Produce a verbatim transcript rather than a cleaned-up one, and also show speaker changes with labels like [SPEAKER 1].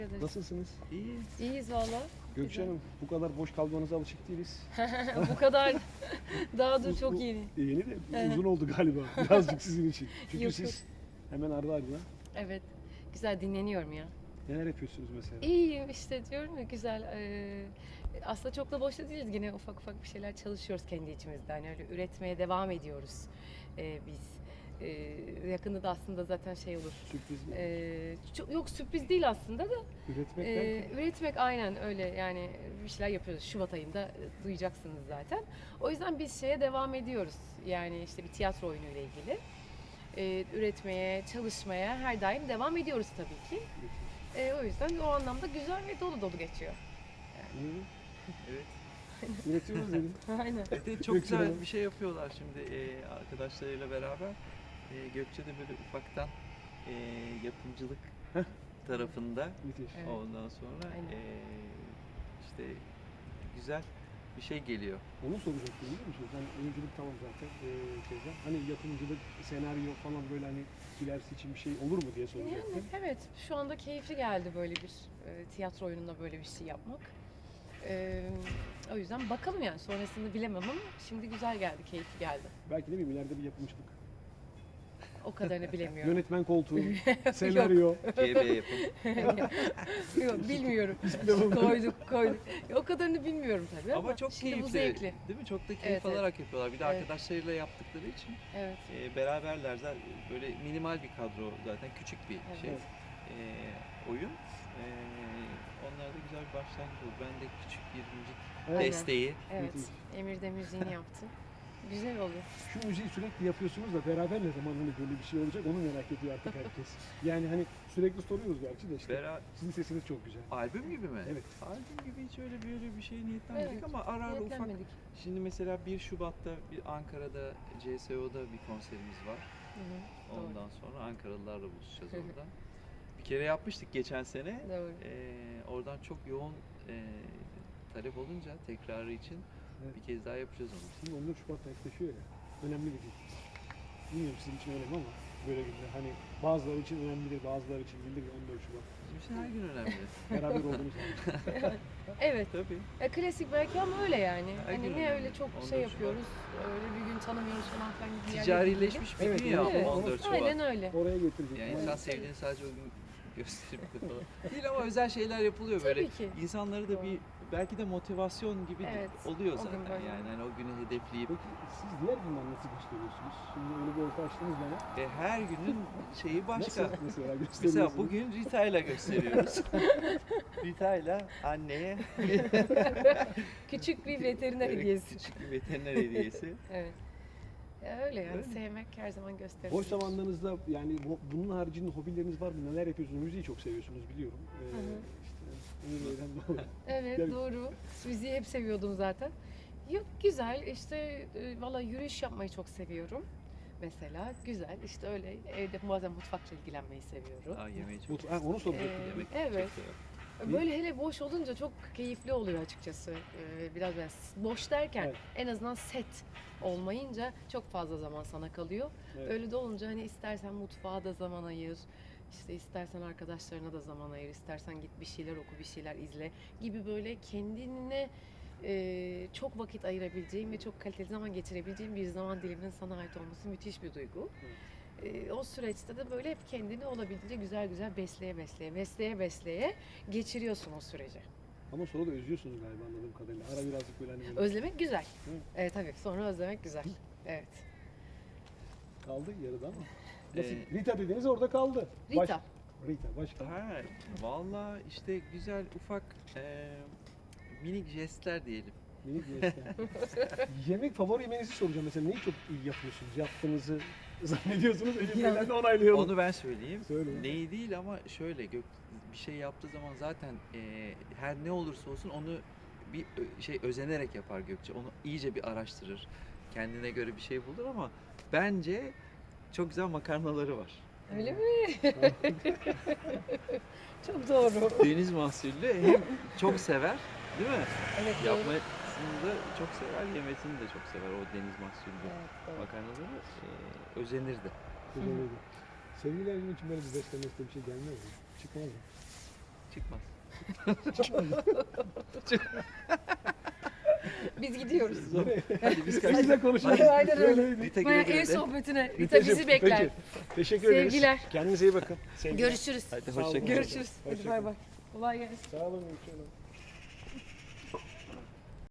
[SPEAKER 1] ederiz.
[SPEAKER 2] Nasılsınız?
[SPEAKER 3] İyi.
[SPEAKER 1] İyiyiz valla.
[SPEAKER 2] Gökçe Hanım, bu kadar boş kalmanıza alışık değiliz.
[SPEAKER 1] Bu kadar. Daha dur
[SPEAKER 2] Bu-
[SPEAKER 1] çok
[SPEAKER 2] bu-
[SPEAKER 1] yeni.
[SPEAKER 2] E, yeni de
[SPEAKER 1] Evet.
[SPEAKER 2] uzun oldu galiba. Birazcık sizin için. Çünkü
[SPEAKER 1] Yok,
[SPEAKER 2] siz hemen ardı ardına
[SPEAKER 1] Evet. Güzel dinleniyorum ya.
[SPEAKER 2] neler yapıyorsunuz mesela?
[SPEAKER 1] İyiyim işte diyorum ya güzel. Ee, aslında çok da boşta değiliz. Yine ufak ufak bir şeyler çalışıyoruz kendi içimizde. Hani öyle üretmeye devam ediyoruz ee, biz. Ee, yakında da aslında zaten şey olur.
[SPEAKER 2] Sürpriz mi?
[SPEAKER 1] Ee, çok, yok sürpriz değil aslında da.
[SPEAKER 2] Üretmek
[SPEAKER 1] Ee,
[SPEAKER 2] derken?
[SPEAKER 1] üretmek aynen öyle yani bir şeyler yapıyoruz. Şubat ayında e, duyacaksınız zaten. O yüzden biz şeye devam ediyoruz. Yani işte bir tiyatro oyunuyla ilgili. Ee, üretmeye, çalışmaya her daim devam ediyoruz tabii ki. Ee, o yüzden o anlamda güzel ve dolu dolu geçiyor.
[SPEAKER 2] Hı,
[SPEAKER 3] Evet.
[SPEAKER 2] Üretiyoruz dedim.
[SPEAKER 1] Aynen.
[SPEAKER 3] Evet, evet, çok
[SPEAKER 2] Gökçe Hanım.
[SPEAKER 3] güzel bir şey yapıyorlar şimdi e, arkadaşlarıyla beraber. E, Gökçe de böyle ufaktan e, yapımcılık
[SPEAKER 2] Heh.
[SPEAKER 3] tarafında.
[SPEAKER 2] Müthiş.
[SPEAKER 1] Evet.
[SPEAKER 3] Ondan sonra
[SPEAKER 1] Aynen.
[SPEAKER 3] e, işte güzel bir şey geliyor.
[SPEAKER 2] Onu soracaktım biliyor musunuz? Hani oyunculuk tamam zaten ee, şeyden. Hani yapımcılık, senaryo falan böyle hani ilerisi için bir şey olur mu diye soracaktım.
[SPEAKER 1] Yani evet şu anda keyifli geldi böyle bir e, tiyatro oyununda böyle bir şey yapmak. Ee, o yüzden bakalım yani sonrasını bilemem ama şimdi güzel geldi, keyifli geldi.
[SPEAKER 2] Belki de bir ileride bir yapımcılık.
[SPEAKER 1] O kadarını bilemiyorum.
[SPEAKER 2] Yönetmen koltuğu, senaryo.
[SPEAKER 3] G B yapım.
[SPEAKER 1] Yok bilmiyorum.
[SPEAKER 2] Bilemem.
[SPEAKER 1] koyduk koyduk. Ya, o kadarını bilmiyorum tabii ama,
[SPEAKER 3] Ama çok
[SPEAKER 1] şimdi
[SPEAKER 3] keyifli.
[SPEAKER 1] bu zevkli.
[SPEAKER 3] Değil mi? Çok da keyif
[SPEAKER 1] Evet, evet.
[SPEAKER 3] alarak yapıyorlar. Bir de
[SPEAKER 1] Evet.
[SPEAKER 3] arkadaşlarıyla yaptıkları için
[SPEAKER 1] Evet.
[SPEAKER 3] e, beraberler. Zaten böyle minimal bir kadro zaten. Küçük bir
[SPEAKER 1] Evet.
[SPEAKER 3] şey. E, oyun. E, onlar da güzel bir başlangıç oldu. Ben de küçük bir müzik
[SPEAKER 2] Evet.
[SPEAKER 3] desteği.
[SPEAKER 1] Evet.
[SPEAKER 2] Müthiş.
[SPEAKER 1] Emir de müziğini yaptı. Güzel oluyor.
[SPEAKER 2] Şu müziği sürekli yapıyorsunuz da beraber ne zaman hani böyle bir şey olacak onu merak ediyor artık herkes. Yani hani sürekli soruyoruz gerçi de işte.
[SPEAKER 3] Bera
[SPEAKER 2] Sizin sesiniz çok güzel.
[SPEAKER 3] albüm gibi mi?
[SPEAKER 2] Evet.
[SPEAKER 3] Albüm gibi hiç öyle böyle bir şey niyetlenmedik
[SPEAKER 1] Evet,
[SPEAKER 3] ama ara ara ufak.
[SPEAKER 1] Niyetlenmedik.
[SPEAKER 3] Şimdi mesela bir Şubat'ta bir Ankara'da C S O'da bir konserimiz var.
[SPEAKER 1] Hı hı, doğru.
[SPEAKER 3] Ondan sonra Ankaralılarla buluşacağız orada. Bir kere yapmıştık geçen sene.
[SPEAKER 1] Doğru.
[SPEAKER 3] Ee, oradan çok yoğun e, talep olunca tekrarı için
[SPEAKER 2] Evet.
[SPEAKER 3] bir kez daha yapacağız onu.
[SPEAKER 2] Şimdi on dört Şubat'ta yaklaşıyor ya. Önemli bir gün. Bilmiyorum sizin için önemli ama böyle günler. Hani bazıları için önemlidir, bazıları için değildir ya on dört Şubat.
[SPEAKER 3] Bizim için her gün önemli.
[SPEAKER 2] Beraber olduğunuz zaman.
[SPEAKER 1] Evet.
[SPEAKER 3] Tabii.
[SPEAKER 1] E, klasik belki ama öyle yani.
[SPEAKER 3] Her gün
[SPEAKER 1] Hani ne
[SPEAKER 3] öyle.
[SPEAKER 1] öyle çok
[SPEAKER 3] on dört
[SPEAKER 1] şey
[SPEAKER 3] Şubat.
[SPEAKER 1] yapıyoruz. Öyle bir gün tanımıyoruz falan filan gibi yerlere
[SPEAKER 3] Ticarileşmiş bir
[SPEAKER 2] Evet,
[SPEAKER 3] gün ya
[SPEAKER 1] evet.
[SPEAKER 3] on dört Şubat.
[SPEAKER 1] Aynen öyle.
[SPEAKER 2] Oraya getirecek.
[SPEAKER 3] Yani
[SPEAKER 2] Yani
[SPEAKER 3] insan sevdiğini sadece o gün gösterip de falan. Değil ama özel şeyler yapılıyor böyle.
[SPEAKER 1] Tabii ki.
[SPEAKER 3] İnsanları da bir belki de motivasyon gibi
[SPEAKER 1] Evet,
[SPEAKER 3] oluyor
[SPEAKER 1] o gün
[SPEAKER 3] zaten
[SPEAKER 1] böyle.
[SPEAKER 3] yani hani o günü hedefleyip
[SPEAKER 2] Peki siz diğer günler nasıl gösteriyorsunuz? Şimdi öyle bir orta açtınız bana.
[SPEAKER 3] e, her günün şeyi başka.
[SPEAKER 2] Nasıl mesela gösteriyorsunuz?
[SPEAKER 3] Mesela bugün Rita ile gösteriyoruz. Rita ile anneye
[SPEAKER 1] Küçük bir veteriner
[SPEAKER 3] Evet,
[SPEAKER 1] hediyesi.
[SPEAKER 3] küçük bir veteriner hediyesi.
[SPEAKER 1] Evet. Ya öyle yani
[SPEAKER 3] Öyle.
[SPEAKER 1] sevmek her zaman gösterilir.
[SPEAKER 2] Boş zamanlarınızda yani bu- bunun haricinde hobileriniz var mı? Neler yapıyorsunuz? Müziği çok seviyorsunuz biliyorum. Ee,
[SPEAKER 1] Hı hı.
[SPEAKER 2] işte Emin Bey'den dolayı.
[SPEAKER 1] Evet
[SPEAKER 2] Yani-
[SPEAKER 1] doğru. Müziği hep seviyordum zaten. Yok güzel işte e, valla yürüyüş yapmayı çok seviyorum. Mesela güzel işte öyle evde bazen mutfakla ilgilenmeyi seviyorum.
[SPEAKER 3] Aa yemeği çok
[SPEAKER 2] Mut- ha, onu soracaktım.
[SPEAKER 1] Ee,
[SPEAKER 3] yemek
[SPEAKER 1] evet.
[SPEAKER 3] çok severim.
[SPEAKER 1] Böyle hele boş olunca çok keyifli oluyor açıkçası. Ee, biraz böyle boş derken
[SPEAKER 2] Evet.
[SPEAKER 1] en azından set olmayınca çok fazla zaman sana kalıyor.
[SPEAKER 2] Evet.
[SPEAKER 1] Öyle de olunca hani istersen mutfağa da zaman ayır, işte istersen arkadaşlarına da zaman ayır, istersen git bir şeyler oku, bir şeyler izle gibi böyle kendine e, çok vakit ayırabileceğin ve çok kaliteli zaman geçirebileceğin bir zaman diliminin sana ait olması müthiş bir duygu. E, o süreçte de böyle hep kendini olabildiğince güzel güzel besleye besleye, besleye besleye geçiriyorsun o süreci.
[SPEAKER 2] Ama sonra da özlüyorsunuz galiba anladığım kadarıyla. Ara birazcık böyle hani böyle
[SPEAKER 1] Özlemek güzel.
[SPEAKER 2] Hı.
[SPEAKER 1] Evet tabii. Sonra özlemek güzel. Evet.
[SPEAKER 2] kaldı yarıda ama. Nasıl?
[SPEAKER 3] Ee,
[SPEAKER 2] Rita dediniz orada kaldı.
[SPEAKER 1] Rita.
[SPEAKER 2] Baş- Rita başka.
[SPEAKER 3] Ha, valla işte güzel ufak e, minik jestler diyelim.
[SPEAKER 2] Minik jestler. Yemek favori yemeğinizi soracağım mesela. Neyi çok iyi yapıyorsunuz? Yaptığınızı zannediyorsunuz. Elim Bey'den de onaylayalım.
[SPEAKER 3] Onu ben söyleyeyim.
[SPEAKER 2] Söyle.
[SPEAKER 3] Neyi değil ama şöyle gök bir şey yaptığı zaman zaten e, her ne olursa olsun onu bir ö- şey özenerek yapar Gökçe. Onu iyice bir araştırır. Kendine göre bir şey bulur ama bence çok güzel makarnaları var.
[SPEAKER 1] Öyle mi? Çok doğru.
[SPEAKER 3] Deniz mahsullü hem çok sever, değil mi?
[SPEAKER 1] Evet doğru.
[SPEAKER 3] Yapmasını da çok sever, yemesini de çok sever o deniz mahsullü
[SPEAKER 1] Evet, doğru.
[SPEAKER 3] makarnaları. E, özenirdi.
[SPEAKER 2] Güzel oldu. Sevgililerin için böyle bir beslenmesi bir şey gelmez mi? Çıkmaz mı?
[SPEAKER 3] Çıkmaz.
[SPEAKER 1] Biz gidiyoruz.
[SPEAKER 3] Hadi biz
[SPEAKER 2] Siz
[SPEAKER 3] kaçtık.
[SPEAKER 2] de konuşun.
[SPEAKER 1] Aynen öyle.
[SPEAKER 2] Böyle-
[SPEAKER 3] Rita
[SPEAKER 1] Bayağı
[SPEAKER 3] güle
[SPEAKER 1] ev
[SPEAKER 3] güle de.
[SPEAKER 1] sohbetine. Rita
[SPEAKER 2] Ritacığım,
[SPEAKER 1] bizi bekler.
[SPEAKER 2] peki. Teşekkür ederiz.
[SPEAKER 1] Sevgiler.
[SPEAKER 2] Kendinize iyi bakın. Sevgiler.
[SPEAKER 1] Görüşürüz.
[SPEAKER 3] Hadi
[SPEAKER 2] Sağ olun.
[SPEAKER 3] hoşça kalın.
[SPEAKER 1] Görüşürüz. Hadi
[SPEAKER 2] Hoşça
[SPEAKER 1] bay
[SPEAKER 2] kalın.
[SPEAKER 1] bay. Kolay gelsin.
[SPEAKER 2] Sağ olun. Gülşen Hanım.